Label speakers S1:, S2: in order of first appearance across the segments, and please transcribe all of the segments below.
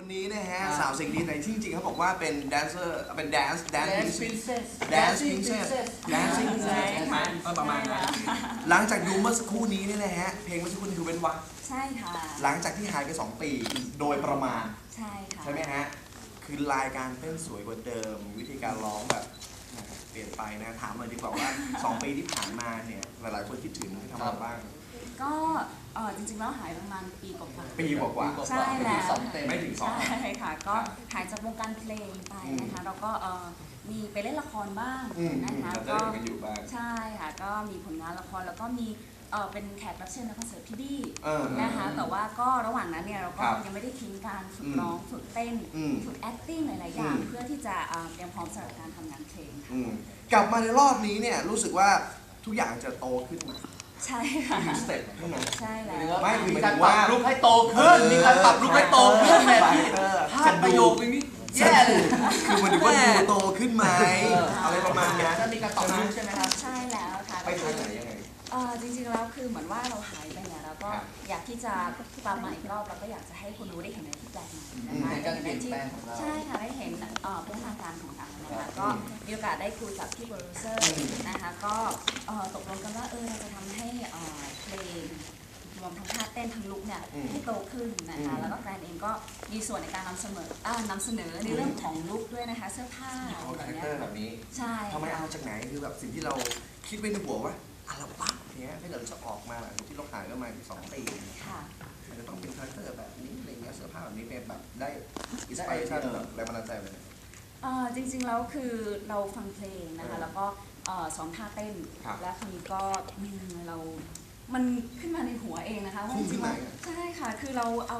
S1: นี้นะฮะสาวเสียงดีแต่จริงๆเขาบอกว่าเป็นแดนเซอร์เป็นแดนซ์
S2: พรินเซส
S1: dancing princess ใช่ไหมประมาณนั้นหลังจากดูเมื่อสักครู่นี้นี่นะฮะเพลงเมื่อสักครู่นี้คือเป็นวัก
S3: ใช่ค่ะ
S1: หลังจากที่หายไป2 ปีโดยประมาณ
S3: ใช่ค่ะ
S1: ใช่ไหมฮะคือรายการเต้นสวยกว่าเดิมวิธีการร้องแบบเปลี่ยนไปนะถามหน่อยดีกว่าว่า2 ปีที่ผ่านมาเนี่ยหลายๆคนคิดถึงทำอะไรบ้าง
S3: ก็จริงๆแล้วหายประมาณปีกว่า
S1: ปีกว่า
S3: ใช่แล้ว
S1: ไม่ถึง2
S3: ใช่ค่ะก็หายจากวงการเพลงไปนะคะแล้วก็มีไปเล่นละครบ้างนะคะก็ใช่ค่ะก็มีผลงานละครแล้วก็มีเป็นแขกรับเชิญในคอนเสิร์ตพี่บี้นะคะแต่ว่าก็ระหว่างนั้นเนี่ยเราก็ยังไม่ได้ทิ้งการฝึกร้องฝึกเต้นฝึก acting หลายๆอย่างเพื่อที่จะเตรียมพร้อมสำหรับการทำงานเพลงค่ะ
S1: กลับมาในรอบนี้เนี่ยรู้สึกว่าทุกอย่างจะโตขึ้นมา
S3: ใช่ค่ะ
S1: สเต็ปใช่ไหม
S3: ใช่แล้ว
S1: ไม่คือ
S2: มี
S1: หมาย
S2: การ
S1: ถึง
S2: ปรั
S1: ว่า
S2: บลุกให้โตขึ้นมีการปรับลุกให้โตขึ้นเนี่ยพลาดประโยคนี้แย่เลย
S1: คือมันดูว่าดูโตขึ้นไหมอะไรประมาณนี้
S2: จะมีการปรับลุกใช่ไหมครับ
S3: ใช่แล้วค่ะ
S1: ไปทางไหนยังไง
S3: จริงๆแล้วคือเหมือนว่าเราหายไปเนี่ยเราก็อยากที่จะกลับมาอีกรอบเราก็อยากจะให้คนรู้ได้เห็นอะไรที่แปลกใหม่นะคะ
S2: ในการเปลี่ยนแปลงของเรา
S3: ใช่ค่ะได้เห็นพัฒนาการของเรานะคะก็มีโอกาสได้คุยกับพี่โปรดิวเซอร์นะคะก็ตกลงกันว่าเราจะทำให้เพลงรวมทั้งท่าเต้นทั้งลุคเนี่ยให้โตขึ้นนะคะแล้วก็แกรนเองก็มีส่วนในการนำเสนอในเรื่องของลุคด้วยนะคะเสื้อผ้า
S1: อะไรแบบนี้
S3: ใช่
S1: ทำไมเอาจากไหนคือแบบสิ่งที่เราคิดไว้ในหัวว่าอัลบั้มเนี้ยถ้าเกิดจะออกมาหลังที่เราหายก็มา2 ปีมันจะต้องเป็นคาแรคเตอร์แบบนี้อะไรเงี้ยเสื้อผ้าแบบนี้เป็นแบบได้อินสปิเรชั่นแบบแรงบันดาลใจเลย
S3: จริงๆแล้วคือเราฟังเพลงนะคะแล้วก็ซ้อมท่าเต้นและคราวนี้ก็มันขึ้นมาในหัวเองนะคะว่าจริงๆใช่ค่ะคือเราเอา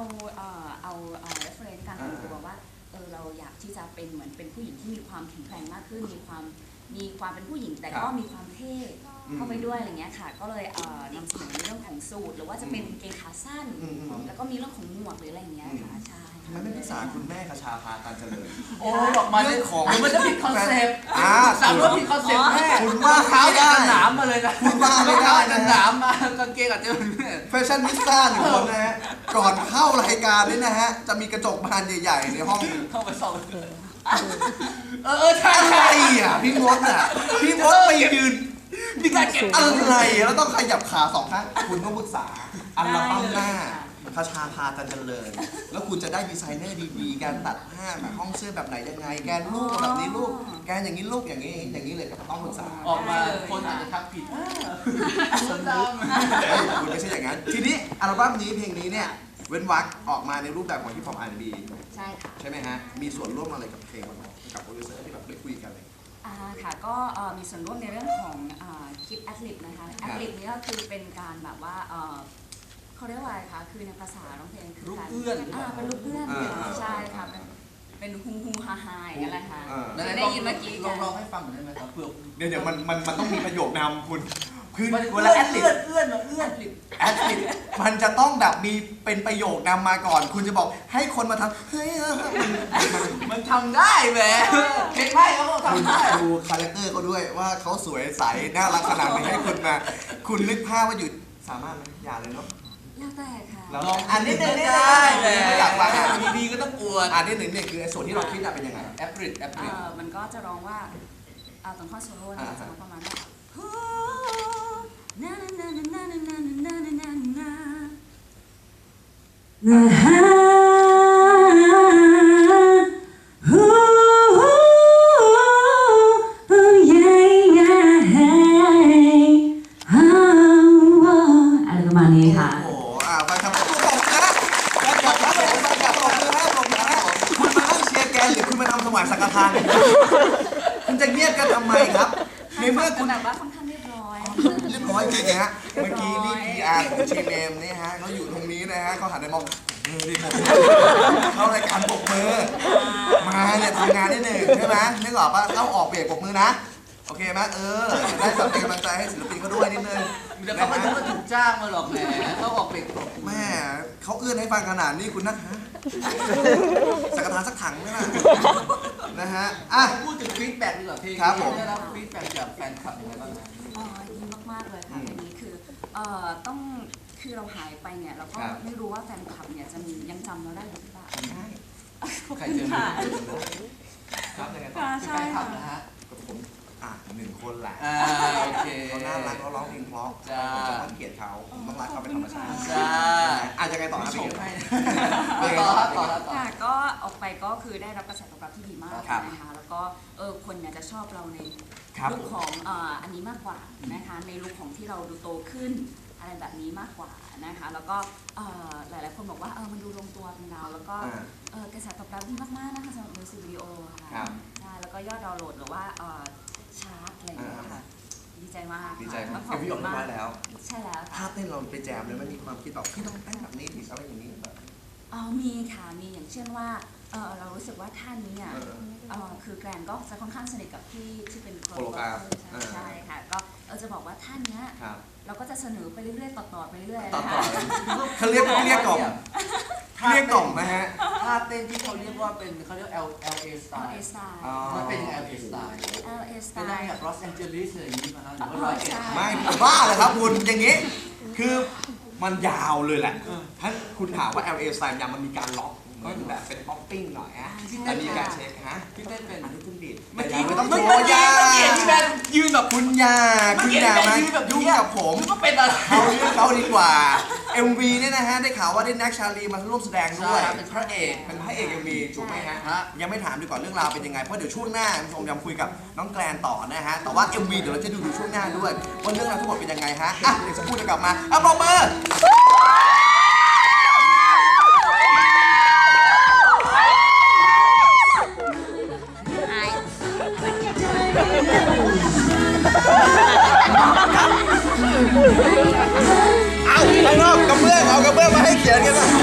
S3: reference การแต่งตัวว่าเราอยากที่จะเป็นเหมือนเป็นผู้หญิงที่มีความแข็งแกร่งมากขึ้นมีความเป็นผู้หญิงแต่ก็มีความเท่เข้าไปด้วยอะไรเงี้ยค่ะก็เลยนำเสนอในเรื่องของสูทหรือว่าจะเป็นเกงขาสั้นแล้วก็มีเรื่องของหมวกหรืออะไรเงี้ยค่ะใช่
S1: ทำไมไม่ปรึกษาคุณแม่คชาภาการเจริญ
S2: โอ้ออกมาเรื่องของมันจะผิดคอนเซ็ปต์สามว่าผิดคอนเซ็ปต์แม่
S1: คุณว่า
S2: เท้ากันหนามมาเลยนะ
S1: คุณว่าไม่ได้
S2: กันหนามมากางเกงอาจจะ
S1: แฟชั่นนิสต้าหนึ่งคนนะฮะก่อนเข้ารายการนี่นะฮะจะมีกระจกบานใหญ่ๆในห้อง
S2: เข้าไปส่อง
S1: ใช่อ่ะพี่มดไปยืน
S2: มีการเก็บ
S1: อะไรแล้วต้องขยับขา2 ข้างคุณต้องปรึกษาอัลบั้มหน้าคชาภาจันเจริญแล้วคุณจะได้ดีไซเนอร์ดีๆการตัดผ้าแบบห้องเสื้อแบบไหนยังไงแกนลูกแบบนี้ลูกแกนอย่างนี้ลูกอย่างนี้เลยต้องปรึกษา
S2: ออกมาคนอาจจะทักผิดคนด
S1: ำคุณไม่ใช่อย่างนั้นทีนี้อัลบั้มนี้เพลงนี้เนี่ยเว้นวรรคออกมาในรูปแบบของฮิปฮอป R&B
S3: ใช่ค่ะ
S1: ใช่ไหมฮะมีส่วนร่วมอะไรกับเพลงกับโปรดิวเซอร์ที่แบบได้คุยกันเลย
S3: ค่ะก็มีส่วนร่วมในเรื่องของคลิปแอดลิปนะคะแอดลิปนี้ก็คือเป็นการแบบว่าเขาเรียกว่าอะไรคะคือในภาษาร้องเพลงคือ
S2: ลูกเอื้อน
S3: เป็นลูกเอื้อนใช่ค่ะเป็นฮูฮาฮาอย่างเงี้ยแหละค่ะได้ยินเมื่อกี้
S2: ลองให้ฟังหน่อยได้ไหมครับเพื่อ
S1: เดี๋ยวมันต้องมีประโยคนำคุณคือ
S2: เวลาแอดลิปเอื้อน
S1: มันจะต้องแบบมีเป็นประโยคนำมาก่อนคุณจะบอกให้คนมาทำเฮ้ย
S2: มันทำได้แหมเพลงไพ่เขาทำได้
S1: ดูคาแรคเตอร์เขาด้วยว่าเขาสวยใสน่ารักขนาดไหนให้คุณมาคุณนึกภาพว่าอยู่สามารถไหมอย่าเลยเนาะ
S3: แล้วแต่ค่ะ
S1: ลองอันนี้ได้
S2: เลยอยากฟังดีๆก็ต้องอวด
S1: อันนี้เนี่ยคือส่วนที่เราคิดเป็นยังไง
S2: แอปริด
S3: มันก็จะร้องว่าตอนข้อโซโล่จะประมาณว่าอะไรประมาณนี้ค่ะ
S1: โอ้โหไปครับคุณมานั่งเชียร์แกนหรือคุณมาทำสมัยสังฆทานคุณจะเงียบกันทำไมครับในเมื่อคุณ
S3: แบบว่าค่อนข้างเรียบร้อย
S1: จริงนะฮะเมื่อกี้นี่ PR ของทีมเอมนี่ฮะเขาอยู่ตรงนี้นะฮะเขาหันไปมองดิผมเข้ารายการปกมือมาเนี่ยทำงานนิดหนึ่งใช่ไหมนึกออกปะเข้าออกเบรกปกมือนะโอเคไหมได้แบบเป็นกำลังใจให้ศิลปินเขาด้วยนิดนึง
S2: แต่เขาไม่ต้องมาถูกจ้างมาหรอกแหมเขาออกเบรก
S1: แม่เขาเอื้อนให้ฟังขนาดนี้คุณนะสังฆทานสักถังไหมล่ะนะฮะ
S2: พูดถึงฟีดแบ็กดีกว่าพี่ได้รับฟีดแบ็กจากแฟนคลับยังไงบ้าง
S3: ดีมากๆเลยค่ะอันนี้คือคือเราหายไปเนี่ยเราก็ไม่รู้ว่าแฟนคลับเนี่ยจะยังจำเราได้หรือเปล่า
S2: ใครเจอ
S3: ค่ะ
S2: ครับยังไงต่อ
S3: ค่ะ
S2: คือ
S3: ใช่
S2: แฟนคลับ
S3: ค่ะ
S2: นะฮะ
S1: กับผม1 คนแหละ
S2: โอเค
S1: เขาน่ารักเขาร้องเพลงเพราะ
S2: จ้า
S1: ผมจะต้องเกลียดเขาผมต้องรักเขาเป็นธรรมชาติ
S2: จ้า
S1: อาจจะไงต่อครับ
S2: ช
S1: พี่
S2: ม
S1: เก๋
S2: ให้ต่อครับต่อครับต่อ
S3: ค่ะก็ออกไปก็คือได้รับกระแสตอบรับที่ดีมาก
S1: ครับ
S3: นะคะแล้วก็คนเนี่ยจะชอบเราใน
S1: ครับ
S3: ลุคของอันนี้มากกว่านะคะในลุคของที่เราดูโตขึ้นอะไรแบบนี้มากกว่านะคะแล้วก็หลายๆคนบอกว่ามันดูลงตัวเป็นเราแล้วก็กระแสตอบรับดีมากๆนะคะสำหรับมิวสิกวิดีโอ
S1: ครั
S3: ค่ะ
S1: บ
S3: ใช่แล้วก็ยอดดาวน์โหลดหรือว่าชาร์ตอะไรอย่างเงี้ยค่ะดีใจมาก
S1: ดีใจมาก
S3: ขอบ
S1: พี่
S3: คุ
S1: ออก
S3: ณ
S1: มาม
S3: าก
S1: แล้ว
S3: ใช่แล้ว
S1: ถ้า
S3: ค่ะ
S1: เต้นเราไปแจมเลยมันมีความคิดแบบพี่ต้องเต้นแบบนี้ดิอะไรอย่างนี้แบบ
S3: มีค่ะมีอย่างเช่นว่าเรารู้สึกว่าท่านนี้อ่ะคือแกรนก็จะค่อนข้างสนิทกับพี่ที่เป็น
S1: โคโลกราฟ
S3: ใช่ค่ะก็จะบอกว่าท่านเนี้ย
S1: ครับ
S3: เราก็จะเสนอไปเรื่อยๆต่อๆไปเรื่อยๆ
S1: ต่อ
S3: นะ
S1: ต่อ
S3: คะ
S1: เขาเรียกกล่อมเรียกกล่อมนะฮะ
S2: ท่าเต้นที่เขาเรียกว่าเป็นเขาเรียก LA style
S3: LA style
S1: อ๋อ
S2: มันเป็นยังไง LA style
S3: LA
S2: เป็นได้
S3: style
S2: แบบลอสแองเจลิสอะไรอย่างนี้มาฮะหรือว่าร้อยเอ็ด
S1: ไม่บ้าเลยครับคุณอย่างนี้ คือมันยาวเลยแหละถ้าคุณถามว่า LA Style ยามันมีการล็อกเหมือนแบบเป็นป๊อปปิ้งหน่อยฮะแต่มีการเช็คฮะ
S2: พี่เต้นเป็น
S1: อันนี้คุณบิด
S2: เมื่อกี้
S1: ไม่ต้อง
S2: เมื่
S1: โช
S2: อ
S1: ว์
S2: กี้
S1: ยา
S2: เห็นพี่แบนยืนแบบ
S1: คุณยาคุณยามายุ่งกับผม
S2: ก็เป็นอะไร
S1: เอาเรื่องเขาดีกว่า MV เนี่ยนะฮะได้ข่าวว่าได้แน็กชาลีมาร่วมแสดงด้วย
S2: ใช่เป็นพระเอก
S1: เป็นพระเอก MV ถูกไหมฮะ
S2: ฮะ
S1: ยังไม่ถามดีกว่าเรื่องราวเป็นยังไงเพราะเดี๋ยวช่วงหน้าคุณผู้ชมยังคุยกับน้องแกลนต่อนะฮะแต่ว่า MV เดี๋ยวเราจะดูช่วงหน้าด้วยว่าเรื่องราวทั้งหมดเป็นยังไงฮะอ่ะเดี๋ยวจะพูดเดี๋ยวกลับมาปรบมือ เอาข้างนอกกระเบื้องเอากระเบื้องมาให้เขียนกันนะ